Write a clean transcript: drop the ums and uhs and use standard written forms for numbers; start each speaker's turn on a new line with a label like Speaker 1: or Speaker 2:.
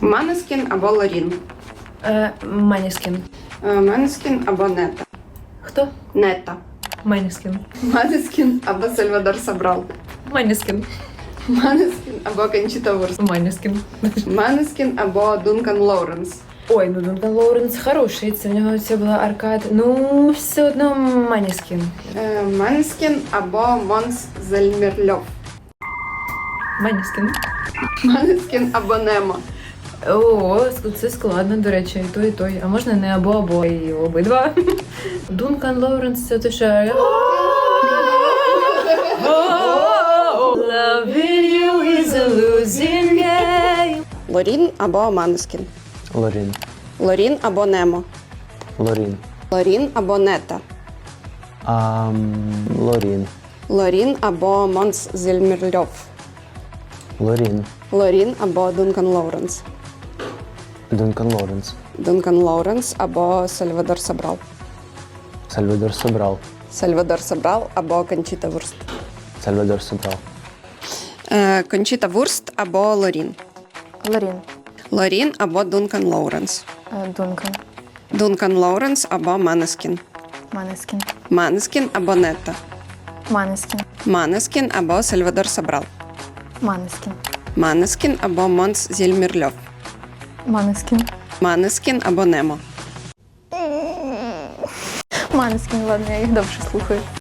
Speaker 1: Манескін або Лорін.
Speaker 2: Манескін.
Speaker 1: Манескін або Нета.
Speaker 2: Хто?
Speaker 1: Нета.
Speaker 2: Манескін.
Speaker 1: Манескін або Сальвадор Собрал.
Speaker 2: Манескін.
Speaker 1: Манескін або Кончіта Вурст.
Speaker 2: Манескін.
Speaker 1: Манескін або Дункан Лоуренс.
Speaker 2: Ой, ну Дункан Лоуренс хороший, це в нього це була аркада. Ну, все одно Манескін.
Speaker 1: Манескін або Монс Зельмірльов.
Speaker 2: Манескін.
Speaker 1: Манескін або Немо.
Speaker 2: О, це складно, до речі, і той, і той. А можна не або, і обидва. Дункан Лоуренс, це те, що... Loving you is a losing game.
Speaker 1: Лорін або Манескін.
Speaker 3: Лорін.
Speaker 1: Лорін або Немо.
Speaker 3: Лорін.
Speaker 1: Лорін або Нета.
Speaker 3: Лорін.
Speaker 1: Лорін або Монс Зельмірльов.
Speaker 3: Лорін.
Speaker 1: Лорін або Дункан Лоуренс.
Speaker 3: Дункан Лоуренс.
Speaker 1: Дункан Лоуренс або Сальвадор Собрал.
Speaker 3: Сальвадор Собрал.
Speaker 1: Сальвадор Собрал або Кончіта Вурст.
Speaker 3: Сальвадор Собрал.
Speaker 1: Кончіта Вурст або Лорін.
Speaker 4: Лорін.
Speaker 1: Лорін або Дункан Лоуренс.
Speaker 4: Дункан.
Speaker 1: Дункан Лоуренс або Манескін.
Speaker 4: Манескін.
Speaker 1: Манескін або Нета.
Speaker 4: Манескін.
Speaker 1: Манескін або Сальвадор Собрал.
Speaker 4: Манескін.
Speaker 1: Манескін або Монс Зельмірльов.
Speaker 4: Манескін.
Speaker 1: Манескін або Немо.
Speaker 4: Манескін, ладно, я їх довше слухаю.